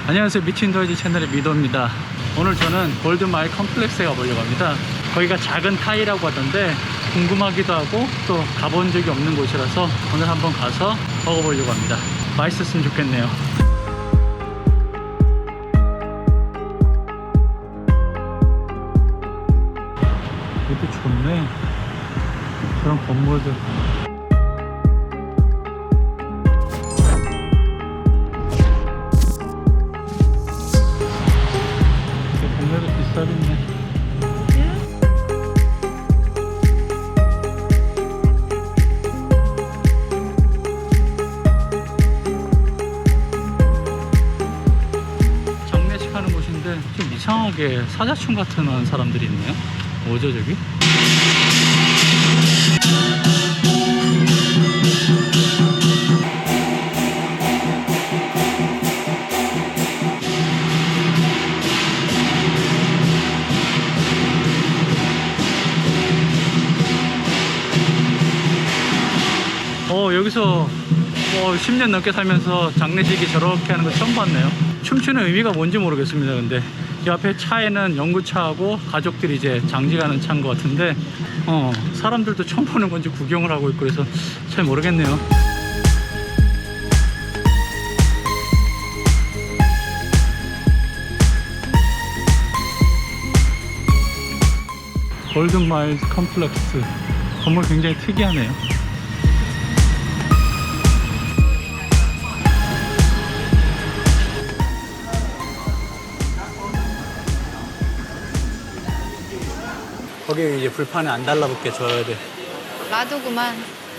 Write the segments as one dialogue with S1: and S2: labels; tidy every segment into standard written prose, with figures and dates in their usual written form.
S1: 안녕하세요, 미친더이지 채널의 미도입니다. 오늘 저는 골드마일 컴플렉스에 가보려고 합니다. 거기가 작은 타이라고 하던데 궁금하기도 하고 또 가본 적이 없는 곳이라서 오늘 한번 가서 먹어보려고 합니다. 맛있었으면 좋겠네요. 여기 좋네. 저런 건물들. 동네도 비싸겠네. 장례식 하는 곳인데 좀 이상하게 사자춤 같은 사람들이 있네요. 뭐죠 저기? 여기서 10년 넘게 살면서 장례식이 저렇게 하는 거 처음 봤네요. 춤추는 의미가 뭔지 모르겠습니다. 근데 이 앞에 차에는 연구차하고 가족들이 이제 장지가는 차인 것 같은데 사람들도 처음 보는 건지 구경을 하고 있고 그래서 잘 모르겠네요. 골든마일 컴플렉스 건물 굉장히 특이하네요. 거기 이제 불판에 안 달라붙게 줘야 돼.
S2: 놔두구만.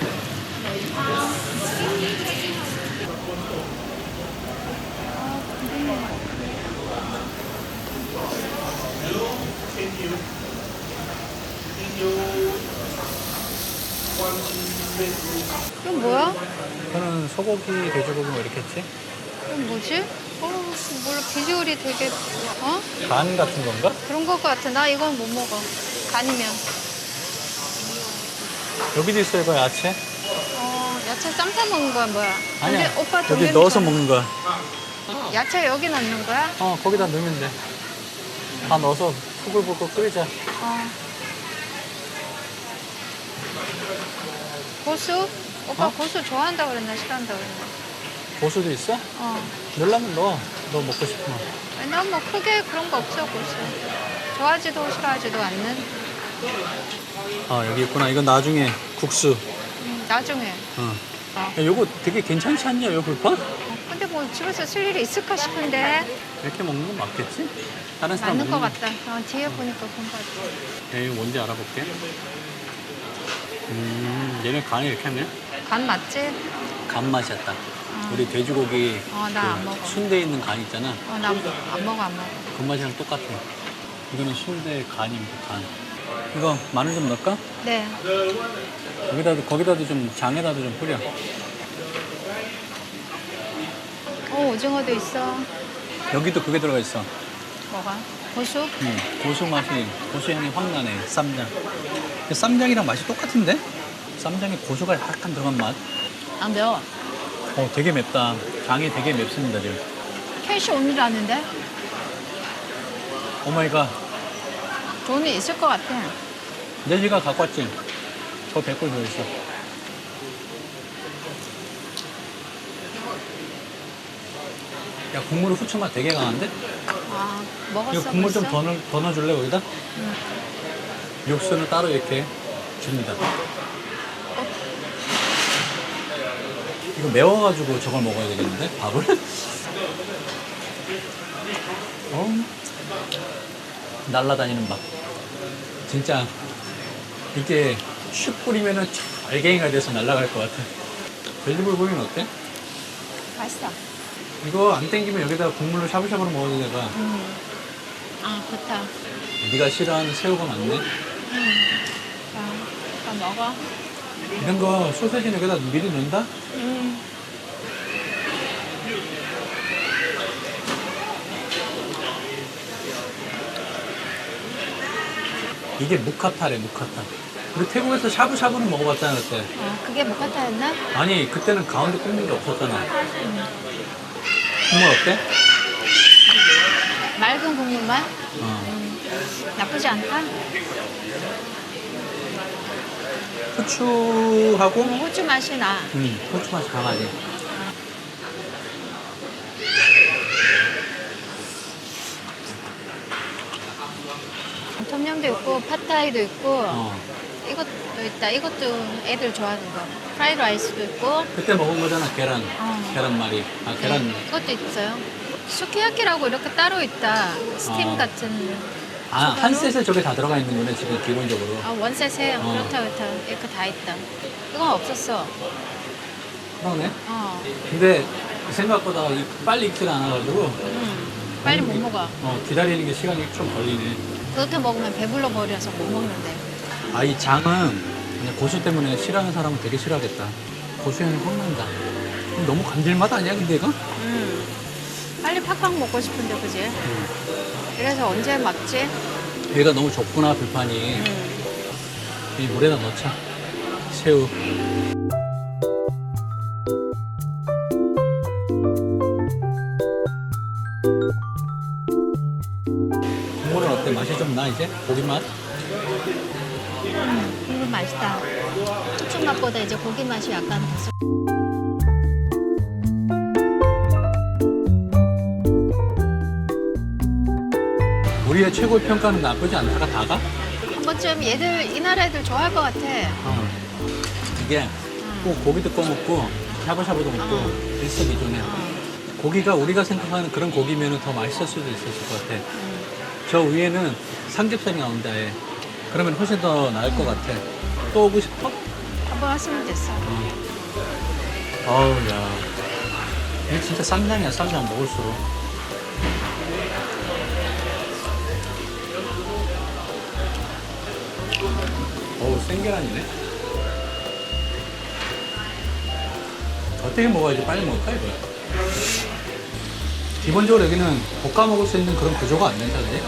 S2: 이건 뭐야?
S1: 저는 소고기, 돼지고기 뭐 이렇게 했지?
S2: 이건 뭐지? 몰라. 비주얼이 되게
S1: 간 같은 건가?
S2: 그런 것 같아. 나 이건 못 먹어. 간이면.
S1: 여기도 있어 이거 야채?
S2: 야채 쌈싸 먹는 거야 뭐야?
S1: 아니야.
S2: 근데 오빠
S1: 여기 넣어서 먹는 거야.
S2: 야채 여기 넣는 거야?
S1: 거기다 넣으면 돼. 다 넣어서 부글부글 끓이자.
S2: 고수? 오빠 고수 좋아한다 그랬나 싫어한다 그랬나?
S1: 고수도 있어? 넣으려면 넣어. 너 먹고 싶으면.
S2: 난 뭐 크게 그런 거 없어 고수. 좋아하지도 싫어하지도 않는.
S1: 여기 있구나. 이건 나중에 국수.
S2: 나중에.
S1: 야, 요거 되게 괜찮지 않냐, 요 불판?
S2: 근데 뭐 집에서 쓸 일이 있을까 싶은데.
S1: 이렇게 먹는 건 맞겠지? 다른 사람
S2: 맞는 거
S1: 먹는
S2: 같다. 뒤에 보니까 그런 거 같아.
S1: 이거 뭔지 알아볼게. 얘네 간이 이렇게 하네?
S2: 간 맞지?
S1: 간 맛이었다. 우리 돼지고기
S2: 나 안 먹어.
S1: 순대 있는 간 있잖아.
S2: 나 안 먹어.
S1: 그 맛이랑 똑같아. 이거는 순대 간입니다, 간. 이거 마늘 좀 넣을까?
S2: 네.
S1: 거기다도 좀, 장에다도 좀 뿌려.
S2: 오징어도 있어.
S1: 여기도 그게 들어가 있어.
S2: 뭐가? 고수?
S1: 고수 맛이, 고수 향이 확 나네, 쌈장. 근데 쌈장이랑 맛이 똑같은데? 쌈장에 고수가 약간 들어간 맛.
S2: 안 매워.
S1: 되게 맵다. 장이 되게 맵습니다, 지금.
S2: 캐시 온이라는데?
S1: 오마이갓.
S2: 돈이 있을 것 같아.
S1: 내지가 갖고 왔지? 저 100불 더 있어. 야, 국물 후추 맛 되게 강한데?
S2: 먹었어.
S1: 이거 국물 좀
S2: 벌써?
S1: 더 넣어줄래, 거기다? 육수는 따로 이렇게 줍니다. 이거 매워가지고 저걸 먹어야 되겠는데? 밥을? 날라다니는 밥. 진짜 이게 슉 뿌리면은 알갱이가 돼서 날아갈 것 같아. 돼지불 고기는 어때?
S2: 맛있어.
S1: 이거 안 땡기면 여기다가 국물로 샤브샤브로 먹어도 되가.
S2: 좋다.
S1: 네가 싫어하는 새우가 많네.
S2: 자, 먹어.
S1: 이런 거 소세지는 여기다 미리 넣는다? 이게 무카타래, 무카타. 우리 태국에서 샤브샤브는 먹어봤잖아, 그때.
S2: 그게 모카타였나?
S1: 아니, 그때는 가운데 굽는 게 없었잖아. 국물 어때?
S2: 맑은 국물만?
S1: 어.
S2: 나쁘지 않다.
S1: 후추하고
S2: 호주 맛이 나.
S1: 후추 맛이 강하지.
S2: 톰염도 있고 팟타이도 있고
S1: 어.
S2: 이것도 있다. 이것도 애들 좋아하는 거. 프라이드 라이스도 있고.
S1: 그때 먹은 거잖아, 계란.
S2: 어.
S1: 계란말이. 아, 계란.
S2: 네, 그것도 있어요. 수키야키라고 이렇게 따로 있다. 스팀
S1: 어.
S2: 같은.
S1: 아,
S2: 추가로?
S1: 한 셋에 저게 다 들어가 있는 거네, 지금 기본적으로.
S2: 아, 원셋에
S1: 어.
S2: 그렇다. 이렇게 다 있다. 이건 없었어.
S1: 그러네.
S2: 어.
S1: 근데 생각보다 빨리 익질 않아가지고.
S2: 빨리 못 먹어.
S1: 기다리는 게 시간이 좀 걸리네.
S2: 그렇게 먹으면 배불러 버려서 못 먹는데.
S1: 아, 이 장은 그냥 고수 때문에 싫어하는 사람은 되게 싫어하겠다. 고수향이 확 난다. 너무 감질맛 아니야, 근데 이거?
S2: 빨리 팍팍 먹고 싶은데, 그지? 그래서 언제 막지?
S1: 얘가 너무 좁구나, 불판이. 이 물에다 넣자. 새우. 국물은 어때? 맛이 좀 나, 이제? 고기 맛?
S2: 국물 맛있다. 후추 맛보다 이제 고기 맛이 약간 더 섞-
S1: 우리의 최고 평가는 나쁘지 않다가 다가?
S2: 한 번쯤 얘들, 이 나라 애들 좋아할 것 같아.
S1: 이게 꼭 고기도 꺼먹고 샤브샤브도 먹고 일석이조네. 고기가 우리가 생각하는 그런 고기면 더 맛있을 수도 있었을 것 같아. 저 위에는 삼겹살이 나온다 해. 그러면 훨씬 더 나을 것 같아. 또 오고 싶어?
S2: 한번 하시면 됐어.
S1: 어우, 야. 이게 진짜 쌈장이야, 쌈장 먹을수록. 어우, 생계란이네. 어떻게 먹어야지 빨리 먹을까, 이거? 기본적으로 여기는 볶아 먹을 수 있는 그런 구조가 안 된다, 그지?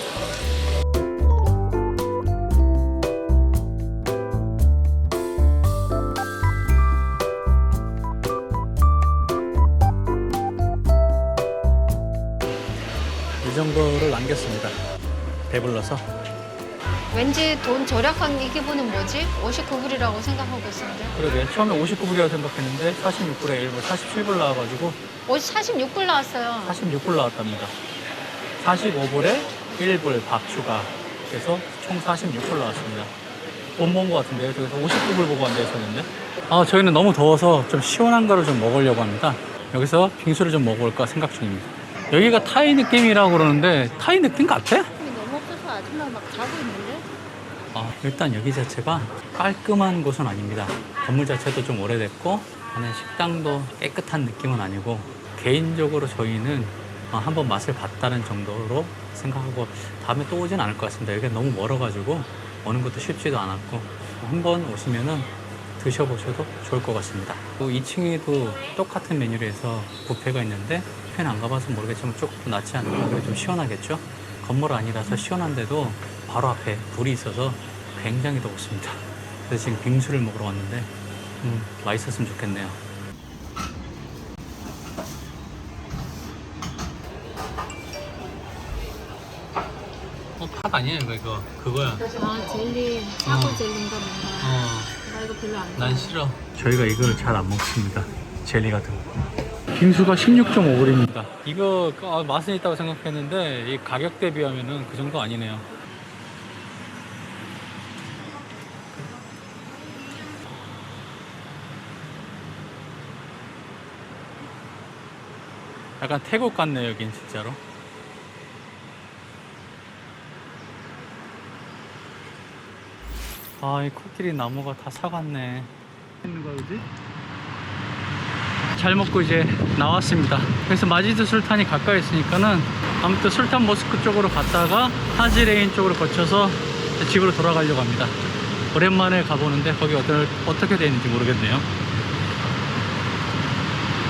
S1: 이 정도를 남겼습니다. 배불러서.
S2: 왠지 돈 절약한 이 기분은 뭐지? 59불이라고 생각하고 있었는데.
S1: 그러게. 처음에 59불이라고 생각했는데 46불에 1불, 47불 나와가지고
S2: 46불 나왔어요.
S1: 46불 나왔답니다. 45불에 1불 밥 추가. 그래서 총 46불 나왔습니다. 못 먹은 것 같은데요. 저기서 59불 보고 앉아 있었는데. 아, 저희는 너무 더워서 좀 시원한 거를 좀 먹으려고 합니다. 여기서 빙수를 좀 먹어볼까 생각 중입니다. 여기가 타이 느낌이라고 그러는데 타이 느낌 같아?
S2: 너무 없어서 아줌마 막 자고 있는데?
S1: 일단 여기 자체가 깔끔한 곳은 아닙니다. 건물 자체도 좀 오래됐고 안에 식당도 깨끗한 느낌은 아니고 개인적으로 저희는 한번 맛을 봤다는 정도로 생각하고 다음에 또 오진 않을 것 같습니다. 여기가 너무 멀어가지고 오는 것도 쉽지도 않았고 한번 오시면은 드셔보셔도 좋을 것 같습니다. 2층에도 똑같은 메뉴로 해서 뷔페가 있는데 뷔페는 안 가봐서 모르겠지만 조금 낫지 않을까. 그래 좀 시원하겠죠? 건물 아니라서 시원한데도 바로 앞에 불이 있어서 굉장히 덥습니다. 그래서 지금 빙수를 먹으러 왔는데 맛있었으면 좋겠네요. 팥 아니야 이거 그거야.
S2: 아, 젤리, 사고 젤리인가 뭔가. 나 이거 별로 안
S1: 난 싫어. 저희가 이걸 잘 안 먹습니다. 젤리 같은 거. 빙수가 16.5불입니다. 이거 맛은 있다고 생각했는데 이 가격 대비하면은 그 정도 아니네요. 약간 태국 같네 여긴 진짜로. 이 코끼리 나무가 다 사갔네. 있는 거야, 그지? 잘 먹고 이제 나왔습니다. 그래서 마지드 술탄이 가까이 있으니까는 아무튼 술탄 모스크 쪽으로 갔다가 하지레인 쪽으로 거쳐서 집으로 돌아가려고 합니다. 오랜만에 가보는데 거기 어떻게 되어 있는지 모르겠네요.